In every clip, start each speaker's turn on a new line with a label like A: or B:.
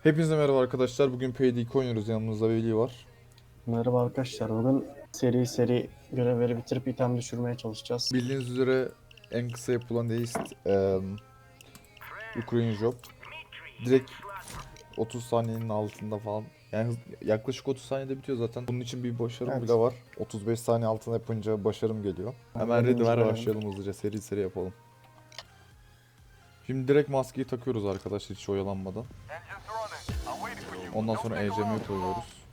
A: Hepinize merhaba arkadaşlar. Bugün Payday 2 oynuyoruz. Yanımızda Veli var.
B: Merhaba arkadaşlar. Bugün seri görevleri bitirip item düşürmeye çalışacağız.
A: Bildiğiniz üzere en kısa yapılan heist Ukraine Job. Direkt 30 saniyenin altında falan. Yani yaklaşık 30 saniyede bitiyor zaten. Bunun için bir başarım
B: Evet.
A: bile var. 35 saniye altında yapınca başarım geliyor. Hemen ready ver, başlayalım hızlıca. Seri yapalım. Şimdi direkt maskeyi takıyoruz arkadaşlar hiç oyalanmadan. Ondan sonra ECM'ye koyuyoruz.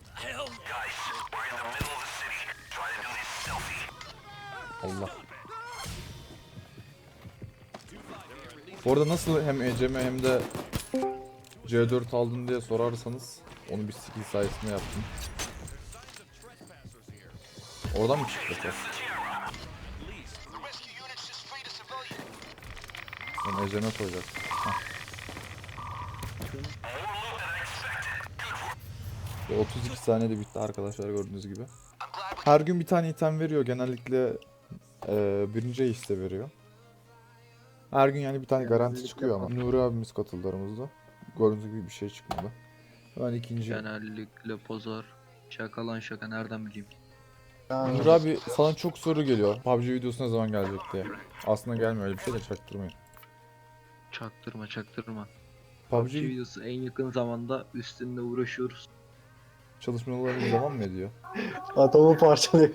A: Allah. Bu arada nasıl hem ECM hem de C4 aldın diye sorarsanız onu bir skill sayesinde yaptım. Oradan mı çıkacağız? Ben ECM koyacak. 32 saniyede bitti arkadaşlar gördüğünüz gibi. Her gün bir tane item veriyor. Genellikle birinci işte veriyor. Her gün yani bir tane garanti çıkıyor ama. Nuri abimiz katıldı aramızda. Gördüğünüz gibi bir şey çıkmadı. Ben ikinci.
C: Genellikle pazar. Şaka lan şaka nereden bileyim.
A: Nuri abi sana çok soru geliyor. PUBG videosu ne zaman gelecek diye. Aslında gelmiyor, öyle bir şey de çaktırmayın.
C: Çaktırma.
A: PUBG
C: PUBG videosu en yakın zamanda üstünde uğraşıyoruz.
A: çalışmalarımız devam mı ediyor?
B: Atomu parçalıyor.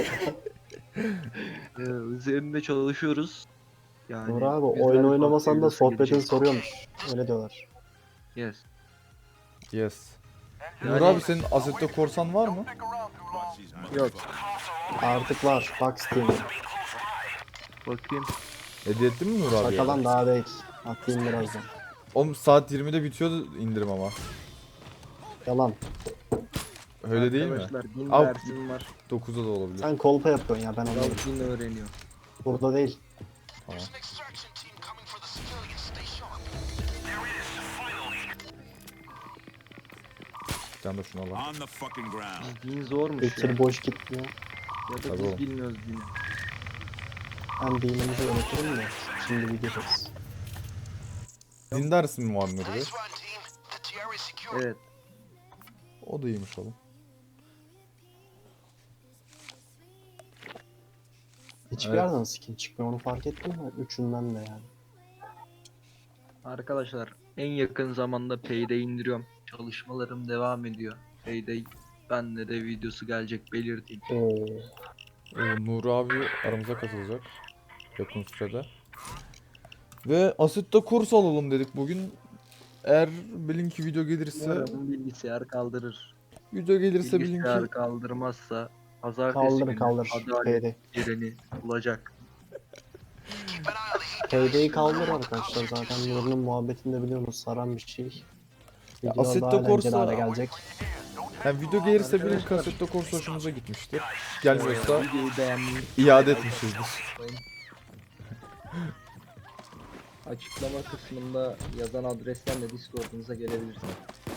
C: Üzerinde çalışıyoruz. Yani
B: Doğru abi.
C: güzel
B: Oyun
C: bir
B: oynamasan da
C: videosu
B: sohbetini
C: gelecek.
B: soruyormuş. Öyle diyorlar.
C: Yes.
A: Yes.
C: Yani-
A: Nuri abi senin Assetto Corsan var mı?
C: Yok.
B: Artık var. Bak Steam'e.
C: Bakayım.
A: Hediye ettin mi Nuri abi?
B: Şakadan daha değil. Atayım birazdan.
A: Oğlum saat 20'de bitiyordu indirim ama.
B: Yalan.
A: Öyle değil mi?
C: Arkadaşlar 1000
A: Al.
C: dersim var.
A: 9'da da olabilir.
B: Sen kolpa yapıyorsun ya, ben
C: Kral
B: anladım.
C: 1000 öğreniyor.
B: Burada değil.
A: Tamam. Bir tane de şunu alalım.
D: On the fucking ground.
C: 1000 zormuş ya.
B: Bekir boş gitmiyor.
C: Ya da
A: Tabii
C: biz
A: oğlum.
C: bilmiyoruz dini.
B: Ben dinimizi öğretirim de. Şimdi videodayız.
A: Din dersi mi var Nuri Bey?
C: Evet.
A: O da iyiymiş oğlum.
B: Hiçbir
A: Evet.
B: yerden skin çıkmıyor, onu fark ettin mi? Üçünden de yani.
C: Arkadaşlar en yakın zamanda Payday indiriyorum. Çalışmalarım devam ediyor. Payday bende de videosu gelecek belirteyim.
A: Nuri abi aramıza katılacak. Yakın sürede. Ve Assetto kurs alalım dedik bugün. Eğer bilin ki video gelirse,
C: Umarım bilgisayar kaldırır.
A: bilin
C: Bilgisayar
A: ki
C: kaldırmazsa pazartesi günü
B: Kaldır.
C: adalet
B: Payday.
C: yerini bulacak.
B: Payday'i kaldır arkadaşlar, zaten Nuri'nin muhabbetinde biliyorsunuz, saran bir şey. Videolar
A: Assetto
B: daha eğlenceli
A: Corsa-
B: hale gelecek.
A: yani video gelirse bilin ki
C: Arkadaşlar-
A: Assetto Corsa hoşumuza gitmiştir. Gelmiyorsa
C: Videoyu beğenmeyi
A: iade etmişizdir.
C: açıklama kısmında yazan adresten de Discord'unuza gelebilirsiniz.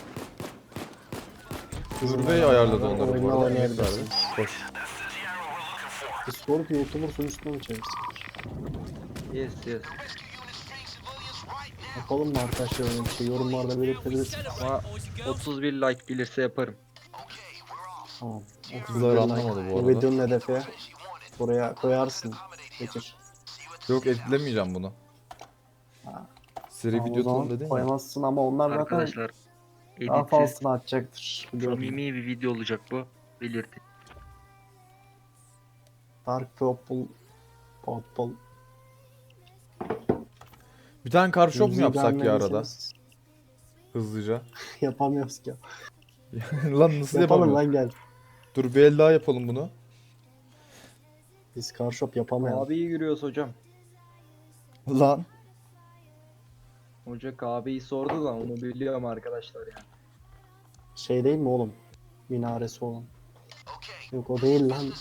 A: Nuri Bey ayarladı onları bu
B: Oyunu
A: arada.
B: oynayabilirsiniz.
A: Hoş.
B: Discord YouTuber sunucusuna mı çevirsek?
C: Yes.
B: Yapalım mı arkadaşlar öyle bir şey? Yorumlarda belirtebilirsiniz.
C: Ama 31 like gelirse yaparım.
B: Tamam.
A: Kızlar anlamadı bu
B: Bu
A: arada.
B: videonun hedefi. Buraya koyarsın. Bekir.
A: Yok etkilemeyeceğim bunu.
B: Ha.
A: Seri
B: Tamam, o
A: video
B: zaman
A: atalım dedin ya.
B: koymazsın ama onlar zaten
C: Arkadaşlar
B: daha
C: editsiz,
B: fazlasını atacaktır. Biliyorum.
C: samimi bir video olacak bu. Belirtin.
B: Dark Purple.
A: Bir tane car shop mu
B: Müziği
A: yapsak ya arada?
B: beğenmediyseniz
A: Hızlıca.
B: Yapamıyoruz ki.
A: Lan nasıl
B: Yapalım
A: yapalım?
B: lan, gel.
A: Dur bir el daha yapalım bunu.
B: Biz Carshop yapamayalım.
C: Abiyi yürüyoruz hocam.
A: Lan.
C: Hoca kahveyi sordu da onu biliyorum arkadaşlar yani.
B: Şey değil mi oğlum? Minaresi olan. Yok, o değil lan.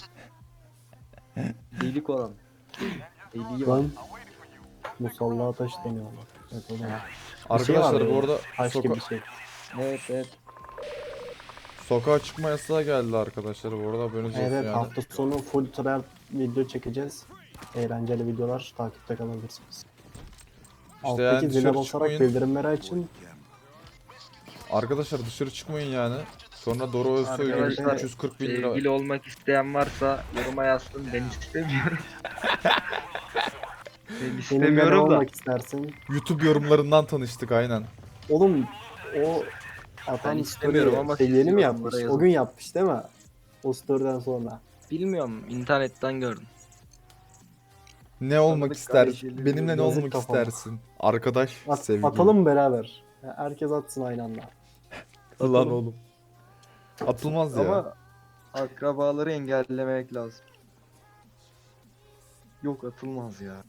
C: Delik olan. Deliği var.
B: Lan. Musalla taş deniyor ona. Evet, o da. Bir şey
A: Arkadaşlar
B: var
A: bu
B: böyle,
A: arada
B: taş gibi bir şey.
C: Evet.
A: sokağa çıkma yasağı geldi arkadaşlar bu arada haberiniz olsun
B: Evet,
A: yani.
B: hafta sonu full trial video çekeceğiz. Eğlenceli videolar, takipte kalabilirsiniz.
A: İşte yani
B: Alttaki zile
A: dışarı
B: basarak
A: çıkmayın.
B: bildirimleri açın.
A: Arkadaşlar dışarı çıkmayın yani. Sonra Doro Özsoy gibi
C: Arkadaşlar,
A: 340 bin lira.
C: Sevgili olmak isteyen varsa yoruma yazsın, ben istemiyorum. Ben
B: Benimle ne
C: istemiyorum da.
B: olmak istersin?
A: YouTube yorumlarından tanıştık aynen.
B: Oğlum o
C: Ben
B: atan
C: istemiyorum
B: story
C: ama
B: şey
C: siz
B: yeni mi
C: yorumlara
B: yapmış?
C: yazın.
B: O gün yapmış değil mi? O story'den sonra.
C: Bilmiyorum, internetten gördüm.
A: Ne olmak
C: Tanıdık
A: istersin?
C: kardeşlerim,
A: Benimle ne
B: yazık
A: olmak
B: kafama.
A: istersin? Arkadaş, sevgili.
B: Atalım mı beraber? Ya herkes atsın aynı anda.
A: Lan
C: Atalım.
A: oğlum. Atılmaz ya.
C: Ama akrabaları engellemek lazım. Yok, atılmaz ya.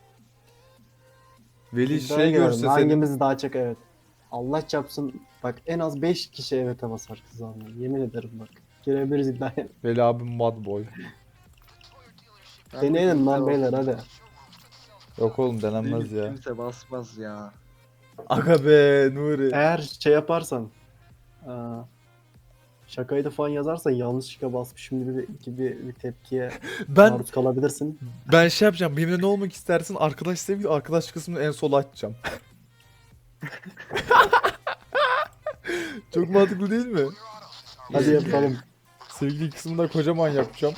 A: Veli
B: İddiaya
A: şey
B: girelim.
A: görse senin.
B: Hangimiz daha çok evet. Allah çarpsın. Bak en az 5 kişi evet'e basar kız anlamı. Yemin ederim bak. Girebiliriz iddiaya.
A: Veli abim mad boy.
C: Bence
B: Deneyelim
C: kimse
B: lan beyler
C: basmaz.
B: hadi.
A: Yok oğlum denenmez
C: Değil,
A: ya.
C: kimse basmaz ya.
A: Aga be Nuri.
B: Eğer şey yaparsan aa, şakayı da falan yazarsan yanlışlıkla basmışım gibi bir tepkiye
A: Ben
B: maruz kalabilirsin.
A: şey yapacağım. Benimle ne olmak istersin? Arkadaş sevgili, arkadaş kısmını en sola açacağım. Çok mantıklı değil mi?
B: Hadi yapalım.
A: Sevgili kısmını da kocaman yapacağım.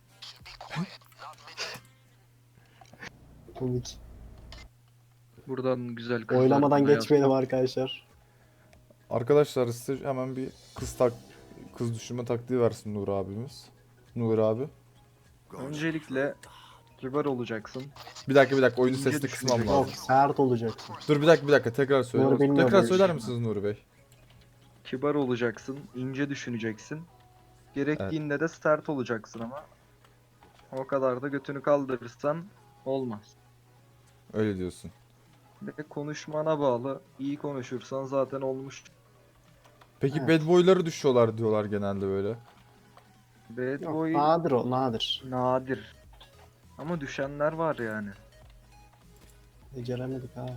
B: Komik.
C: Buradan güzel kızlar
B: Oylamadan
C: bana
B: geçmeyelim arkadaşlar.
A: Arkadaşlar size hemen bir kız düşürme taktiği versin Nur abimiz. Nur abi.
C: Öncelikle kibar olacaksın.
A: Bir dakika oyunu
C: İnce
A: sesli kısmam
C: düşünecek.
B: Yok
A: lazım.
B: sert olacaksın.
A: Dur bir dakika tekrar söyle.
B: Nuri bilmiyor
A: Tekrar
B: böyle
A: söyler
B: şey.
A: misiniz Nuri Bey?
C: Kibar olacaksın, ince düşüneceksin. Gerektiğinde de sert olacaksın ama o kadar da götünü kaldırırsan olmaz.
A: Öyle diyorsun.
C: Ve konuşmana bağlı. İyi konuşursan zaten olmuş.
A: Peki
B: Evet.
A: bad boy'ları düşüyorlar diyorlar genelde böyle.
C: Bad
B: Yok,
C: boy
B: nadir o nadir.
C: nadir. Ama düşenler var yani.
B: Beceremedik ha.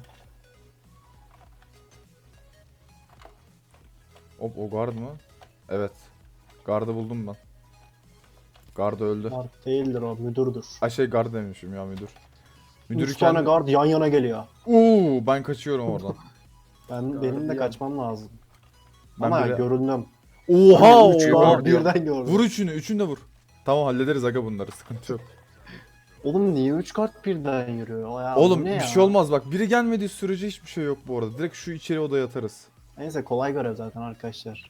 A: Hop o guard mı? Evet. Guard'ı buldum ben. Guard öldü.
B: Guard değildir o müdürdür.
A: Ay şey guard demişim ya müdür. Müdürü
B: 3 tane
A: kendi...
B: guard yan yana geliyor.
A: Ben kaçıyorum oradan.
B: Benim de
C: Gardiyan.
B: kaçmam lazım.
A: Ben
B: Ama
A: bile-
B: göründüm.
A: Oha!
B: Üç
A: Oha!
B: guard birden gördüm.
A: Vur üçünü de vur. Tamam hallederiz aga bunları sıkıntı yok.
B: Oğlum niye 3 guard birden yürüyor? Ya,
A: Oğlum
B: bu ne
A: bir
B: ya?
A: şey olmaz bak biri gelmediği sürece hiçbir şey yok bu arada. Direkt şu içeri odaya atarız.
B: Neyse kolay görev zaten arkadaşlar.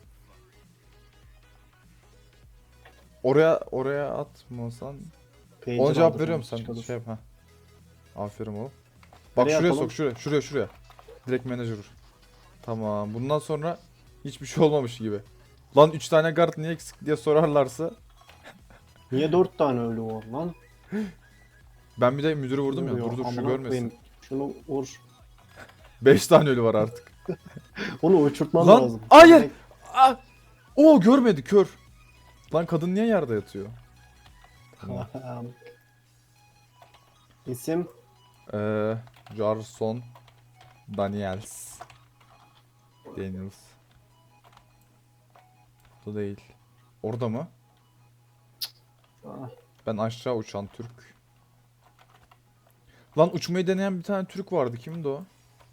A: Oraya atmasan.
B: Pager
A: Ona cevap
B: aldı
A: veriyorum
B: sonra,
A: sen
B: çıkalım.
A: şey yap ha. Aferin oğlum. Bak
B: Nereye
A: şuraya
B: atalım?
A: sok şuraya. Direkt manager vur. Tamam bundan sonra hiçbir şey olmamış gibi. Lan 3 tane guard niye eksik diye sorarlarsa
B: Niye 4 tane ölü var lan?
A: ben bir de müdürü vurdum ya.
B: Vuruyor,
A: Dur şu
B: amına
A: görmesin.
B: koyayım. Şunu vur.
A: 5 tane ölü var artık.
B: Onu uçurtman
A: Lan,
B: lazım.
A: hayır! Ah! Oo görmedi kör. Lan kadın niye yerde yatıyor? Tamam.
B: İsim
A: Jarson Daniels. Bu değil. Orada mı?
B: Ah,
A: Ben aşağı uçan Türk. Lan uçmayı deneyen bir tane Türk vardı. Kimdi o?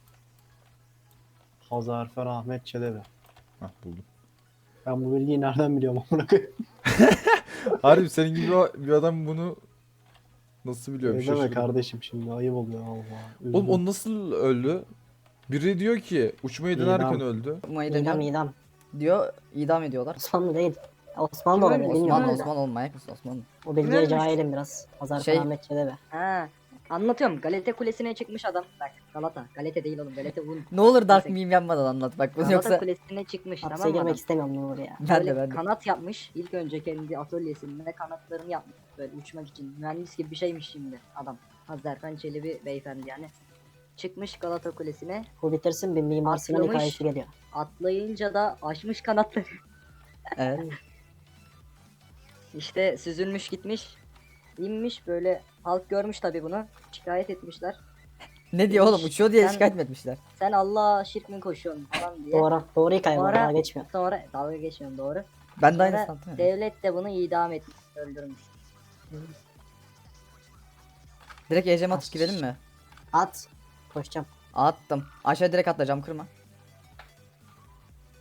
B: Hazarfer Ahmet Çelebi.
A: Hah buldum.
B: Ben bu bilgiyi nereden biliyorum amına koyayım?
A: Harbi senin gibi bir adam bunu nasıl biliyor? Bir
B: Ne deme
A: şaşırdım.
B: kardeşim şimdi ayıp oluyor Allah.
A: Oğlum o nasıl öldü? Biri diyor ki uçmayı denerken
B: İdam.
A: öldü.
D: Tutmayı
E: İdam
D: deniyor
E: idam.
D: diyor, idam ediyorlar.
E: Osmanlı değil. Osmanlı da olabilir
D: Osman,
E: bilmiyorum. da.
D: Osman olmayak mısın Osman?
E: O bilgiye
D: Ölmüş.
E: cahilim biraz. Hazar
D: Şey-
E: Ahmet Çelebi.
F: Ha, anlatıyorum. Galata Kulesi'ne çıkmış adam. Bak Galata. Galata değil oğlum. Galata Un.
D: Ne olur dark
F: Neyse.
D: meme yapmadan anlat bak bunu
E: Galata
D: yoksa
F: Kulesi'ne çıkmış
E: Hapse
F: tamam mı
E: girmek
F: adam?
E: istemiyorum Nuri ya.
D: ben
F: Böyle
D: de.
F: kanat yapmış. İlk önce kendi atölyesinde kanatlarını yapmış. Böyle uçmak için. Mühendis gibi bir şeymiş şimdi adam. Hazarfen Çelebi beyefendi yani. Çıkmış Galata Kulesi'ne.
E: Bu bitirsin bir Mimar Sinan
F: Atlamış.
E: hikayesi geliyor.
F: Atlayınca da açmış kanatları.
D: Evet.
F: İşte süzülmüş gitmiş. İnmiş böyle halk görmüş tabi bunu. Şikayet etmişler.
D: Ne diyor oğlum uçuyor diye
F: Sen-
D: şikayet mi etmişler?
F: Sen Allah'a şirk mi koşuyorsun falan diye.
E: Doğru. Doğru hikaye bu
F: Sonra-
E: daha geçmiyor.
F: Sonra dalga geçmiyorum doğru.
D: Ben de aynı
F: Sonra
D: sandım.
F: devlet de bunu idam etmiş, öldürmüş.
D: Direkt ecem atıp girelim mi?
E: At. Koşacağım.
D: Attım. Aşağı direkt atla cam kırma.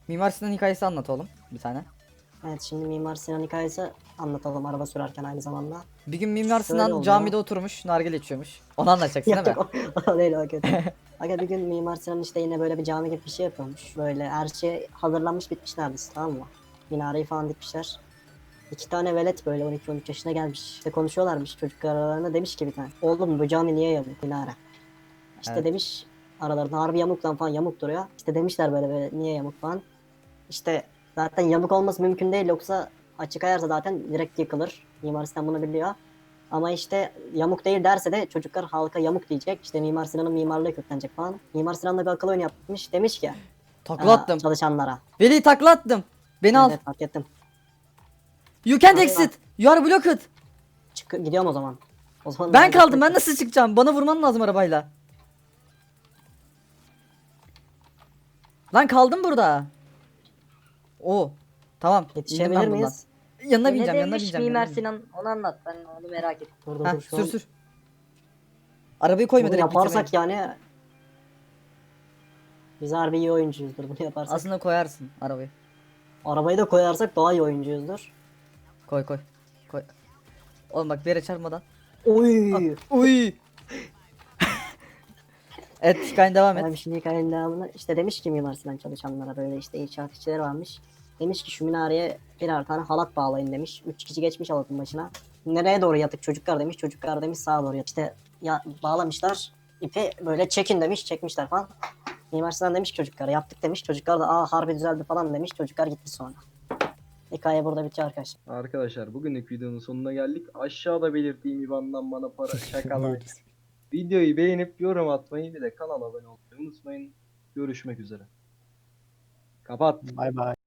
D: Mimar Sinan hikayesi anlat oğlum bir tane.
E: Evet, şimdi Mimar Sinan hikayesi anlatalım araba sürerken aynı zamanda.
D: Bir gün Mimar
E: Şöyle
D: Sinan
E: oluyor.
D: camide oturmuş nargile içiyormuş. Onu anlatacaksın değil mi?
E: Yok o değil, o kötü. Aga bir gün Mimar Sinan işte yine böyle bir cami gibi bir şey yapıyormuş. Böyle her şey hazırlanmış bitmiş neredeyse, tamam mı? Minareyi falan dikmişler. İki tane velet böyle 12-13 yaşına gelmiş. İşte konuşuyorlarmış çocuk aralarında, demiş ki bir tane. Oğlum bu cami niye yamuk minare? İşte
D: Evet.
E: demiş aralarında, harbi yamuk lan falan, yamuk duruyor. İşte demişler böyle niye yamuk falan. İşte zaten yamuk olması mümkün değil, yoksa açık ayarsa zaten direkt yıkılır. Mimar Sinan bunu biliyor. Ama işte yamuk değil derse de çocuklar halka yamuk diyecek. İşte Mimar Sinan'ın mimarlığı köklenecek falan. Mimar Sinan da bir akıl oyunu yapmış. Demiş ki
D: Takla attım.
E: çalışanlara.
D: Veli takla attım. Beni al.
E: Evet, fark ettim.
D: You can't
E: Allah.
D: exit. You are blocked.
E: Gidiyorum o zaman. O zaman
D: Ben kaldım. Ben nasıl çıkacağım? Bana vurman lazım arabayla. Lan kaldım burada. Oo. Tamam. indim
E: Yetişebilir
D: ben bundan.
E: miyiz?
D: Yanına
F: Ne
D: bineceğim, yanına
F: demiş
D: bineceğim.
F: Mimar
D: yanına bineceğim.
F: Sinan, onu anlat, ben onu merak ettim.
E: Dur dur
D: Heh,
E: dur şu
D: sür
E: an.
D: sür. Arabayı koyma
E: Bunu
D: direkt
E: yaparsak
D: bitirmeyin.
E: yani biz harbi iyi oyuncuyuzdur bunu yaparsak.
D: Aslında koyarsın arabayı.
E: Arabayı da koyarsak daha iyi oyuncuyuzdur.
D: Koy koy. Koy. Oğlum bak bir yere çarpmadan.
E: Oy.
D: Uy. Evet hikayen devam
E: Abi
D: et.
E: şimdi hikayenin devamını işte demiş ki Mimar Sinan çalışanlara, böyle işte inşaat işçileri varmış. Demiş ki şu minareye birer tane halat bağlayın demiş. 3 kişi geçmiş halatın başına. Nereye doğru yatık çocuklar demiş. Çocuklar demiş sağa doğru yatık. İşte ya, bağlamışlar. İpi böyle çekin demiş. Çekmişler falan. Mimar Sinan demiş ki çocuklara yaptık demiş. Çocuklar da aa harbi düzeldi falan demiş. Çocuklar gitti sonra. Hikaye burada bitiyor arkadaşlar.
C: Arkadaşlar bugünlük videonun sonuna geldik. Aşağıda belirttiğim IBAN'dan bana para şakalar. Videoyu beğenip yorum atmayı, bir de kanala abone olmayı unutmayın. Görüşmek üzere. Kapat.
B: Bay bay.